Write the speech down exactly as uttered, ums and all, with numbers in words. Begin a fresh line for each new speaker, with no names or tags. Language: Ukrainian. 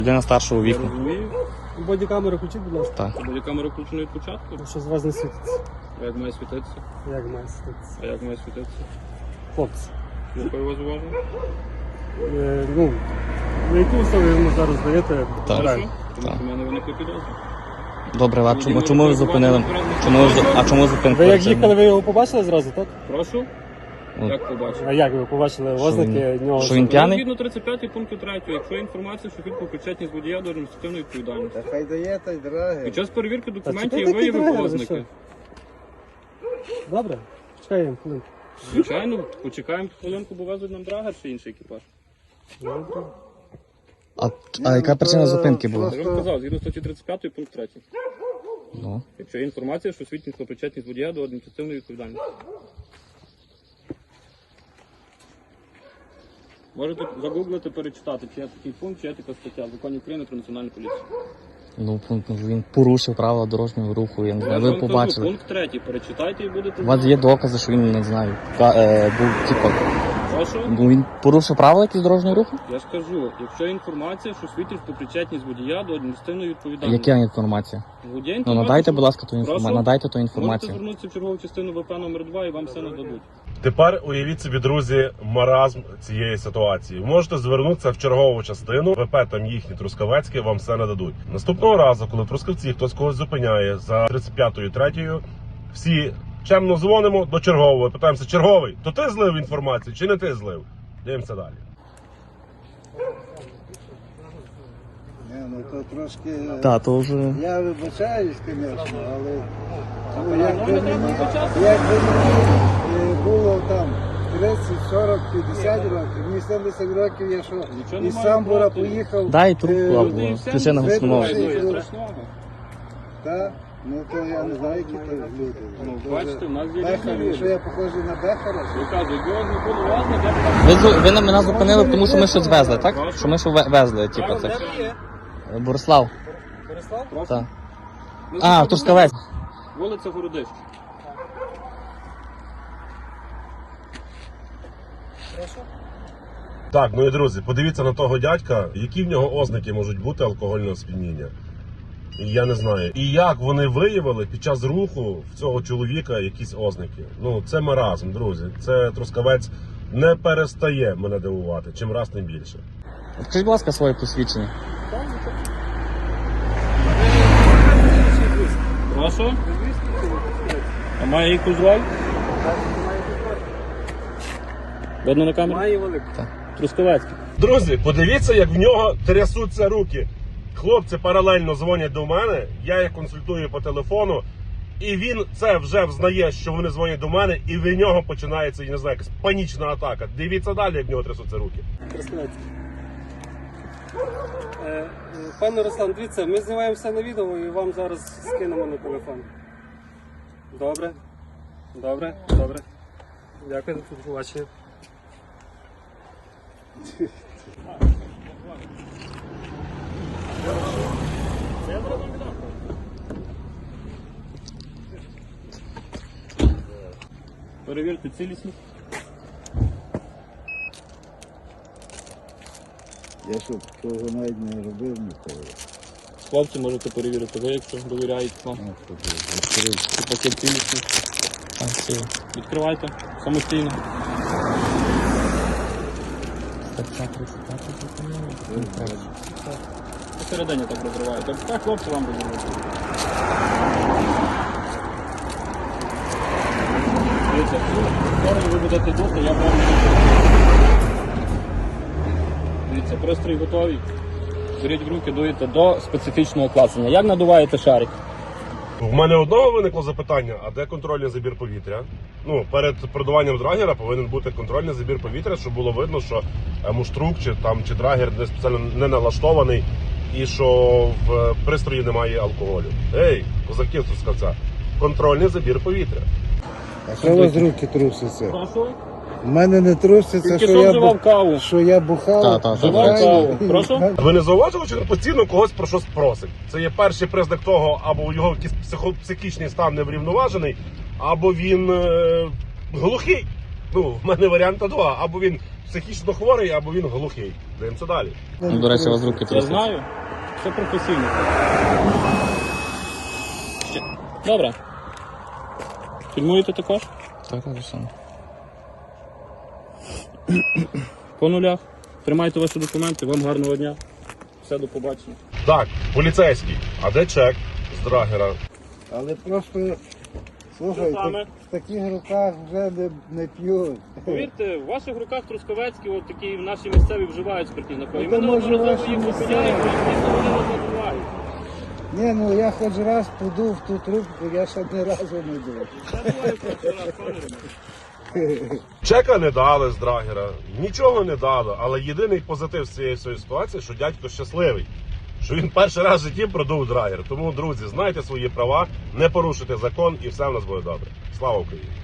Людина старшого
Я
віку.
розумію.
Бодікамеру включіть, будь ласка.
Так.
Бодікамера включена від початку.
Що з вас не світиться?
А як має світитися?
Як має світитися?
А як має світитися?
Хлопці.
Слухаю вас уважно.
Е, ну, на які условия ви йому зараз даєте?
Так.
Хорошо? Тому
Так.
що в мене виникли підозри.
Добре, а чому, чому ви зупинили? Чому ви, зу- а чому зупинили?
Ви як їхали, ви його побачили зразу, так?
Прошу?
Ну.
Як побачив?
А як ви побачили
Що
ознаки
він-
нього?
що він п'яний?
Згідно тридцять п'ятий пункту третього, якщо є інформація, що фільм причетність водія до адміністративної відповідальності.
Та хай дає, та й дороги.
Під час перевірки документів
чекай,
і
такі
виявив
драйвери,
ознаки.
Добре, чекаємо хвилинку.
Звичайно, почекаємо хвилинку, бо везуть нам драгер чи інший екіпаж.
Добре.
А, а яка причина зупинки була?
Я вам сказав, згідно статті тридцять п'ятої пункт третій.
Ну.
Якщо є інформація, що свідчить про причетність водія до адміністративної відповідальності. Можете загуглити, перечитати, чи є такий пункт, чи є така стаття в Законі України про національну поліцію.
Ну, пункт, він порушив правила дорожнього руху, я не
Я
знаю,
ж
ви
вам кажу,
побачили.
пункт третій, перечитайте і будете
У вас є докази, що він, не знаю, ка- е, був, типу,
Прошу?
ну, він порушив правила якісь дорожнього руху?
Я ж кажу, якщо є інформація, що свідчить про причетність водія до адміністративної відповідальності.
Яка інформація?
Водія
Ну,
інформація,
надайте,
що-
будь ласка, ту
Прошу?
інформацію. Надайте ту
Можете
інформацію.
звернутися в чергову частину ВП номер два і вам все нададуть.
Тепер уявіть собі, друзі, маразм цієї ситуації. Ви можете звернутися в чергову частину, ВП там їхні Трускавецькі, вам все нададуть. Наступного разу, коли в Трускавці хтось когось зупиняє за тридцять п'ятою третьою, всі чемно дзвонимо до чергового, питаємося: черговий, то ти злив інформацію чи не ти злив? Дивимося далі.
Не, ну то трошки...
Так, то вже...
Я вибачаюсь, звісно, але... Ну,
ну,
якби
не
мені,
треба вибачатися.
якби мені е, було там тридцять, сорок, п'ятдесят років, мені сімдесят років, я що,
Нічого
із
немає
Самбура
проти.
поїхав...
Дай трубку
е,
або
Люди і все,
включи на
ви
гучномовку.
пройшли.
Є страшного.
Та? Ну то я не знаю, які то люди.
Ну,
То
бачите,
вже
в нас є
Бехарі,
різні
що
люди.
я похожий на Бехара?
Я кажу, якби вас не було власне, я б
Ви, зу- ви на мене зупинили, тому що ми щось везли, так? Що ми що ве- везли, типу, це.
так.
Борислав.
Борислав?
Так.
Ми
А,
заходимо-
Трускавець.
Вулиця Городища.
Так, ну і друзі, подивіться на того дядька, які в нього ознаки можуть бути алкогольного сп'яніння. І я не знаю. І як вони виявили під час руху в цього чоловіка якісь ознаки. Ну, це маразм, друзі. Це Трускавець не перестає мене дивувати, чим раз тим більше.
Скажіть, будь ласка, своє посвідчення.
Прошу? А має якусь роль? Видно на камеру?
Має велику.
Трускавецький.
Друзі, подивіться, як в нього трясуться руки. Хлопці паралельно дзвонять до мене, я їх консультую по телефону, і він це вже взнає, що вони дзвонять до мене, і в нього починається, я не знаю, якась панічна атака. Дивіться далі, як в нього трясуться руки.
Розкладайте. Е, е, Пане Руслан, дивіться, ми знімаємо все на відео і вам зараз скинемо на телефон. Добре? Добре? Добре. Дякую за побачення.
Перевірте цілісність.
Я що, такого навіть не робив ніколи.
Хлопці, можете перевірити ви, якщо довіряєте вам. Це пакет цілісний.
Так, всі.
Відкривайте самостійно.
Стаття тридцять п'ять.
Посередині так розриваєте. Так хлопці вам будуть робити. Дивіться, скоро ви будете дути, я вам. Дивіться, пристрій готовий. Беріть в руки, дуєте до специфічного клацання. Як надуваєте шарик?
У мене одного виникло запитання, а де контрольний забір повітря? Ну, перед продуванням драгера повинен бути контрольний забір повітря, щоб було видно, що е, муштрук чи, там, чи драгер не спеціально не налаштований і що в пристрої немає алкоголю. Ей, козаки з Трускавця, контрольний забір повітря.
А що у вас руки трусяться?
Прошу.
У мене не трусяться,
Тільки
що
що
я,
вживав
бу...
каву.
що я бухав.
Та, та, та.
Вживав каву. Прошу?
Ви не зауважили, що він постійно когось про щось просить? Це є перший признак того, або його якийсь психо- психічний стан неврівноважений, або він е, глухий. Ну, в мене варіанта два. Або він психічно хворий або він глухий. Дивимося далі.
Ну, до речі, у вас руки
Я
трясуться.
знаю. Все професійно. Ще. Добре. Фільмуєте також?
Так, так, саме.
По нулях. Тримайте ваші документи, вам гарного дня. Все, до побачення.
Так, поліцейський. А де чек з драгера?
Але просто, слухай,
Що саме?
так, в таких руках вже не, не п'ють.
Повірте, в ваших руках Трускавецькі, от такі наші місцеві вживають спиртні напої.
Ну,
Ми
то, може,
неодноразово їх
ваші
зупиняємо,
місцеві.
і дійсно вони нас забувають.
Ні, ну я хоч раз подув в ту трубку, я ще ні разу не дув.
Чека не дали з драгера, нічого не дали, але єдиний позитив з цієї всієї ситуації, що дядько щасливий, що він перший раз в житті продув драгер. Тому, друзі, знайте свої права, не порушуйте закон і все в нас буде добре. Слава Україні!